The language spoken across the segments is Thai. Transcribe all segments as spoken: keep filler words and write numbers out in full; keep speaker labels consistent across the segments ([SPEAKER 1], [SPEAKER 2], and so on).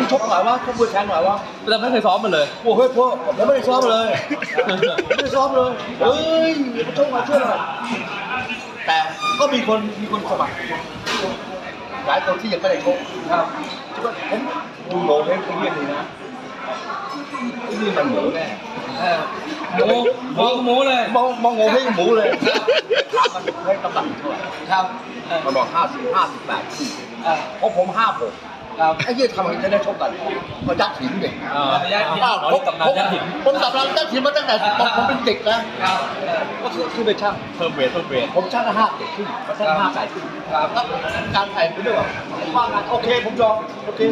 [SPEAKER 1] ชกหน่อยวะชกมวยแทงหน่อยวะ
[SPEAKER 2] แต่ไม่เคยซ้อมมันเลย
[SPEAKER 1] โอ้เฮ้ยพวกผมไม่ได้ซ้อมเลยไม่ได้ซ้อมเลยเฮ้ยมาชกมาช่วยหน่อยแต่ก็มีคนมีคนสมัครหลายคนที่ยังไม่ได้ชกครับผมดูโง่เล่นไอ้เรื่องนี้นะไอ้นี่มันหมูแน่
[SPEAKER 2] หมูมองหมูเลย
[SPEAKER 1] มองมองโง่ให้หมูเลยถามมันให้กำลังเท่าไหร่
[SPEAKER 2] ครับ
[SPEAKER 1] มันบอกห้าสิบห้าสิบแปดสี่เพราะผมห้าหกไอ้ยี่ทำไมจะได้ชกกันก็ยัดหินเด็ก
[SPEAKER 2] อ่ายัดหินผมตำนานยัดหิน
[SPEAKER 1] ผมตำนานยัดหินมาตั้งแต่ผมเป็นเด็กนะก็คือคือไปช่าง
[SPEAKER 2] เพิ่มเวทเพิ่มเวท
[SPEAKER 1] ผมช่างละห้าเด็กขึ้นมาช่างห้าแปดขึ้นแล้วการถ่ายไปด้วยว่างานโอเคผมยอมโอเค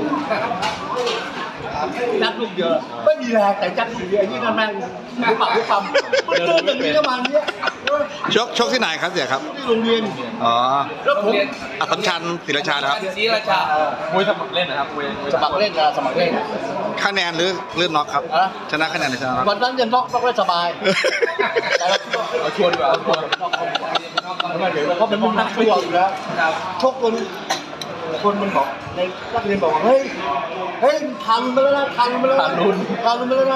[SPEAKER 1] ยัดลูกเยอะไม่มีแรงแต่ยัดลูกเยอะยี่นั่นแม่งหัวปากหัวปั๊มมันเดินอย่างนี้ประมาณนี้
[SPEAKER 3] ชกชกที่ไหนครับเสียครับ
[SPEAKER 1] ที่โรงเรียน
[SPEAKER 3] อ๋อ
[SPEAKER 1] แล้วผม
[SPEAKER 3] อัศมชัญศรีราชานะครับ
[SPEAKER 2] ศรีราชามวยสมัครเล่นนะครับมวย
[SPEAKER 1] สมัครเล่นนะสมัครเล่น
[SPEAKER 3] คะแนนหรือหรือน็อกครับ
[SPEAKER 1] อะ
[SPEAKER 3] ชนะคะแนนหรือชนะน็อก
[SPEAKER 1] วันนั้นยังน็อกน็อกได้สบายแต่เรา
[SPEAKER 2] เอาชวนดีกว่าเอาชวน
[SPEAKER 1] เขาเป็นนักชกอยู่แล้วชกคนคนมันบอกในนักเรียนบอกว่าเฮ้ยเฮ้ยทันไปแล้วนะทันไปแล้วนะทันไปแล้วนะ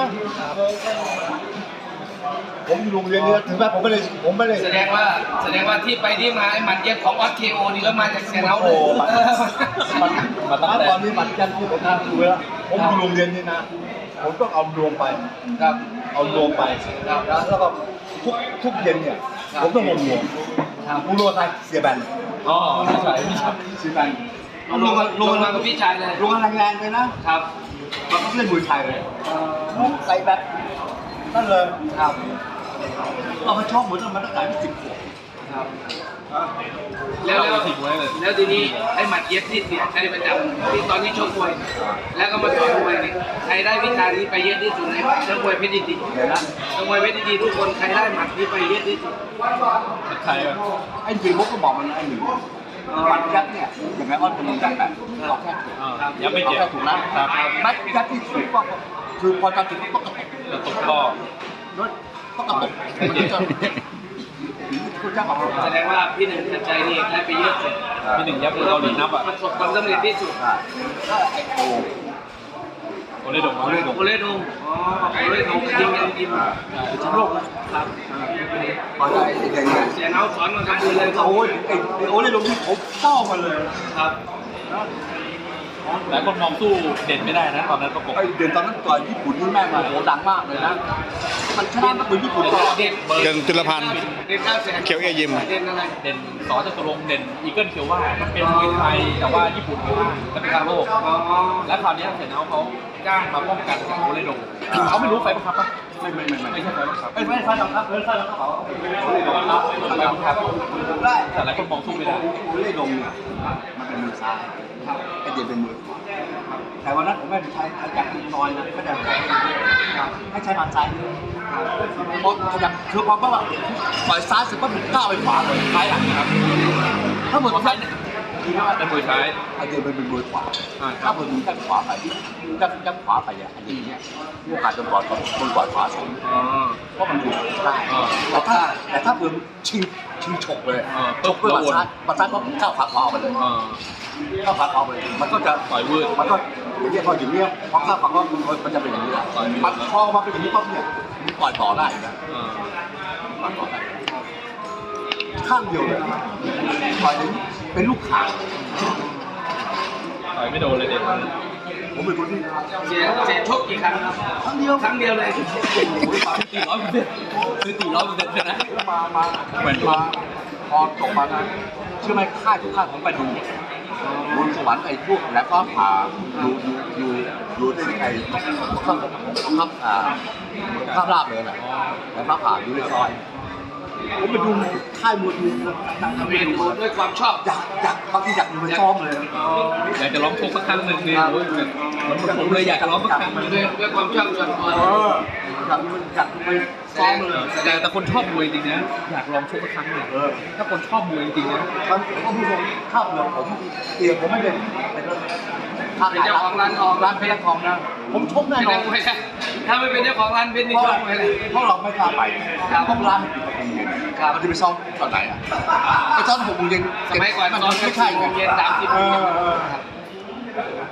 [SPEAKER 1] ผมอยู่โรงเรียนเนี่ยถึงแม้ผมไม่ได้ผมไม่ได้
[SPEAKER 4] แสดงว่าแสดงว่าที่ไปที่มาไอ้หมัดเย็บของออสเคโอนี่ก็มาจากเสียงเรา
[SPEAKER 1] โอ้
[SPEAKER 4] เลย
[SPEAKER 1] มันมันตั้งแต่ตอนนี้มันยันที่ผมทำดูแล้วผมอยู่โรงเรียนนี่นะผมต้องเอารวมไป
[SPEAKER 4] ครับ
[SPEAKER 1] เอารวมไปแล้วก็ทุกทุกเย็นเนี่ยผมต้องลงรวมผมรวมใครเสียแบน
[SPEAKER 2] อ๋อไม่ใช่ไม่ใช่
[SPEAKER 1] เสียแบน
[SPEAKER 4] ลงมาลงมากับพี่ชายเลย
[SPEAKER 1] ลงแรงๆเลยนะครับ มันก็เล่นมวยไทยเลยใส่แบบนั่นเลยครับเรามาชอบเหมือนมันตั้งแต่สิบขวบ
[SPEAKER 4] ครับแล้วแล้วแล้วทีนี้ไอ้หมัดเย็บที่เสียใช้ประจำที่ตอนที่ชกมวยแล้วก็มาต่อยมวยนี่ใครได้วิชานี้ไปเยอะที่สุดในนักมวยเพชรดีๆนะนักมวยเพชรดีๆทุกคนใครได้หมัดนี้ไปเยอะที่สุด
[SPEAKER 2] ใครอ่ะ
[SPEAKER 1] ไอ้จีมุกก็บอกมันไอ้หนึ่งมันยัดเนี่ยอย่างไรว่าเป็นยัดแบบเราแค่ถูก
[SPEAKER 2] ยังไม่
[SPEAKER 1] เรา
[SPEAKER 2] เจ็บ
[SPEAKER 1] แค่ถูกนะครับมัดยัดที่ถูกก็คือพอจะถึงก็กระตุก
[SPEAKER 2] กระตุกก็
[SPEAKER 1] รถก็กระตุกมันจะคุณจ้าบอก
[SPEAKER 4] แสดงว่าพี่หนึ่งชัดใจนี่ได้ไปเยอะสุด
[SPEAKER 2] พี่หนึ่งยับเกาหลีนับอ่ะ
[SPEAKER 4] ประสบความสำเร็จที่สุด
[SPEAKER 1] ไอ้โอ
[SPEAKER 2] โอเลดงโอเลดง
[SPEAKER 4] โอเลดงอ๋อโอเลดงจริงจริง
[SPEAKER 1] เป็นแชมป์โลกนะครับพอใจไอ้ไง
[SPEAKER 4] เสียเนาสอนมาทำบุญเลย
[SPEAKER 1] โอ้ยไอ้ไอ้โอ้ยลงที่ผมเศร้ามาเลย
[SPEAKER 4] ครับ
[SPEAKER 2] หลายคนมองสู้เด่นไม่ได้นะตอนนั้นประกบ
[SPEAKER 1] ไอ้เดือนตอนนั้นต่อยญี่ปุ่นนี่แม่งมาโหดังมากเลยนะมันชนะนักมวยญี่ปุ่นก็
[SPEAKER 4] เด่น
[SPEAKER 3] เดินจุลพันธ์
[SPEAKER 4] เด่นเก้าแสน
[SPEAKER 3] เขียวเอยิม
[SPEAKER 4] เด่นอะไร
[SPEAKER 2] เด่นสอจตุรงค์เด่นอีเกิลเขียวว่ามันเป็นมวยไทยแต่ว่าญี่ปุ่นว่าจะเป็นการโลก
[SPEAKER 4] อ๋อ
[SPEAKER 2] แล้วคราวนี้เสนาเขาจ้างมาป้องกันโอเลดงเขาไม่รู้ไฟบังคับปะ
[SPEAKER 1] ไม่ไม่ไม่ไม่
[SPEAKER 2] ไม่ใช่ไฟบังคับ
[SPEAKER 1] ไม่ไม่ใช่หรอกครับไม่ใช่หรอกครับ
[SPEAKER 2] ไฟบังคับแต่หลายคนมองสู้ไม่ได้
[SPEAKER 1] โอเล่ดงเนี่ยมันเป็นมือซ้ายไอ้เดียเป็นมือขวาแต่วันนั้นผมไม่ได้ใช้ขยักน้อยนะไม่ได้ใช้ให้ใช้มันซ้ายเพราะขยักคือพอว่าปล่อยซ้ายเสร็จปั๊บผมก้าวไปขวาเลยซ้ายหลังนะครับถ้าเหมือนซ้ายเนี่ยคือว่า
[SPEAKER 2] แต่มวยใช้
[SPEAKER 1] ไอเดียมันเป็นมือขวาถ้ามือด้านขวาไปด้านด้านขวาไปอ่ะไอเดียเนี่ยโอกาสโดนบอลโดนบอลขวาสูง
[SPEAKER 2] อ๋อ
[SPEAKER 1] เพราะมันดูได้แต่ถ้าแต่ถ้าเพิ่มชิงชิงฉกเลยฉกเพื่อมาซ้ายมาซ้ายก็ก้าวขาขวาออกไปเลย
[SPEAKER 2] อ๋อ
[SPEAKER 1] ก้าวขาขวาออกไปเลยมันก็จะ
[SPEAKER 2] ต่อยวืด
[SPEAKER 1] มันก็อย่างนี้พออย่างนี้พอก้าวขาขวามันจะเป็นอย่างนี้แหละมันพอมาเป็นอย่างนี้ปั๊บเนี่ยมันปล่อยต่อได้นะ
[SPEAKER 2] อ่า
[SPEAKER 1] ปล่อยต่อได้ข้างเดียวเลยปล่อยถึงเป็นลูกข่าง
[SPEAKER 2] ต่อยไม่โดนเลยเด็ด
[SPEAKER 1] ผมเป็นคนที่
[SPEAKER 4] เสียเสียชกกี่ครั้งครับ
[SPEAKER 1] ครั้งเดียว
[SPEAKER 4] ครั้งเดียวเลย
[SPEAKER 2] ตีร้อยเปอร์เซ็นต์คือตีร้อยเปอร์เซ็นต์ใช่ไหม
[SPEAKER 1] มามาเหมือนมาพอจบมานะเชื่อไหมค่ายทุกค่ายผมไปดูบนสวรรค์ไอ้พวกแล้วก็ผ่าดูดูดูดูที่ไอ้ข้ามข้ามอ่าข้ามราบเลยนะแล้วก็ผ่าดูเรียบร้อยผมไปดูค่ายมวยดูตั้งแต่
[SPEAKER 4] เรียน
[SPEAKER 1] ดู
[SPEAKER 4] รู้ด้วยความชอบ
[SPEAKER 1] อยากอยากบางทีอยากดูไปซ้อมเลย
[SPEAKER 2] อยากจะร้องชกสักครั้งหนึ่งเนี่ยโอ้ยเหมือนผมเลยอยากจะร้องสักครั้งหนึ่ง
[SPEAKER 4] ด้วยด้วยความชอบส่วนตัว
[SPEAKER 1] เอออยากดูอยากไปซ้อมเลย
[SPEAKER 2] แต่แต่คนชอบมวยจริงนะอยากลองชกสักครั้งหนึ่ง
[SPEAKER 1] เออ
[SPEAKER 2] ถ้าคนชอบมวยจริงนะ
[SPEAKER 1] มันก็พูดตรงข้าวเหลืองผมเตียงผมไม่เป็นเป็นข้าว
[SPEAKER 4] เป็นเจ้าของร้านทอง
[SPEAKER 1] ร้านเพชรทองนะผมชกแน่
[SPEAKER 4] เป็น
[SPEAKER 1] นอ
[SPEAKER 4] นั
[SPEAKER 1] น
[SPEAKER 4] กมวยนะถ้าไม่เป็นเจ้าของร้านเป็นนี่
[SPEAKER 1] เพราะ
[SPEAKER 4] ชกมวยเลย
[SPEAKER 1] เพราะเราไม่กล้าไปเพราะร้านมันปิดหกโมงเย็นเราจะไปซ้อมตอนไหนอ่ะไปซ้อมหกโมงเย็น
[SPEAKER 4] สมัยก่อนตอน
[SPEAKER 1] ไม่ใช่
[SPEAKER 4] โมงเย็นสามสิบ
[SPEAKER 1] เอ
[SPEAKER 4] โมงเย็น
[SPEAKER 1] อเออ
[SPEAKER 2] ความ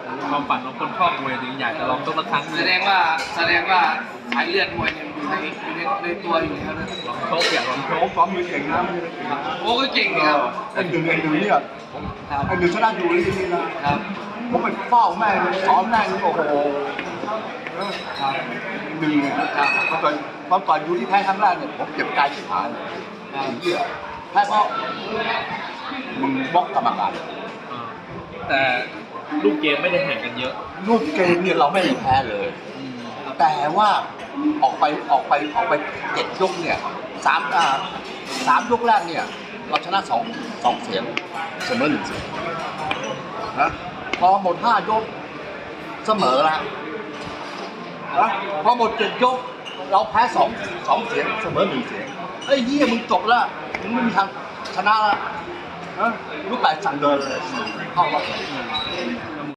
[SPEAKER 2] ฝันของคนชอบมวยถึงอยากจะลองสักครั้งห
[SPEAKER 4] แส
[SPEAKER 2] นึ่ง
[SPEAKER 4] ดงว่าแสดงว่าสายเลือดมวยเนี่ยอยู่ในอยู่ในในตัวอยู่แล้วนะ
[SPEAKER 2] ลองโชคอยากลองโช
[SPEAKER 1] โอ้
[SPEAKER 2] ค
[SPEAKER 1] ซ้อมมือเก่งนะไม่ได้เก่งนะ
[SPEAKER 4] โอ้ก็เก่งนี่ครับ
[SPEAKER 1] ไอ้หนึ่งไอ้หนึ่งเนี่ย
[SPEAKER 4] ครับ
[SPEAKER 1] ไอ้หนึ่งชนะอยู่ที่นี่นะครับ ผมไปเฝ้าแม่งซ้อมแม่งโอ้โหเออ
[SPEAKER 4] ครับ
[SPEAKER 1] หนึ่งเนี่ยตอนก่อนตอนก่อนอยู่ที่แพ้ครั้งแรกเนี่ยผมเจ็บใจที่ขาเลยไอ้เหี้ยแพ้เพราะมึงบล็อกกรรมการ
[SPEAKER 2] อ่าแต่ลูกเกมไม่ได้แข่งกันเยอะ
[SPEAKER 1] ลูกเกมเนี่ยเราไม่ได้แพ้เลย
[SPEAKER 2] อืม
[SPEAKER 1] แต่ว่าออกไปออกไปออกไปเจ็ดยกเนี่ยสามอ่าสามยกแรกเนี่ย เราชนะสองสองเสียงเสมอหนึ่งเสียงนะพอหมดห้ายกเสมอแล้วนะพอหมดเจ็ดยก เราแพ้สองสองเสียงเสมอหนึ่งเสียงไอ้เหี้ยมึงจบแล้วมึงไม่มีทางชนะแล้วนะลูกไก่สั่งเดินเลยเข้ารอบ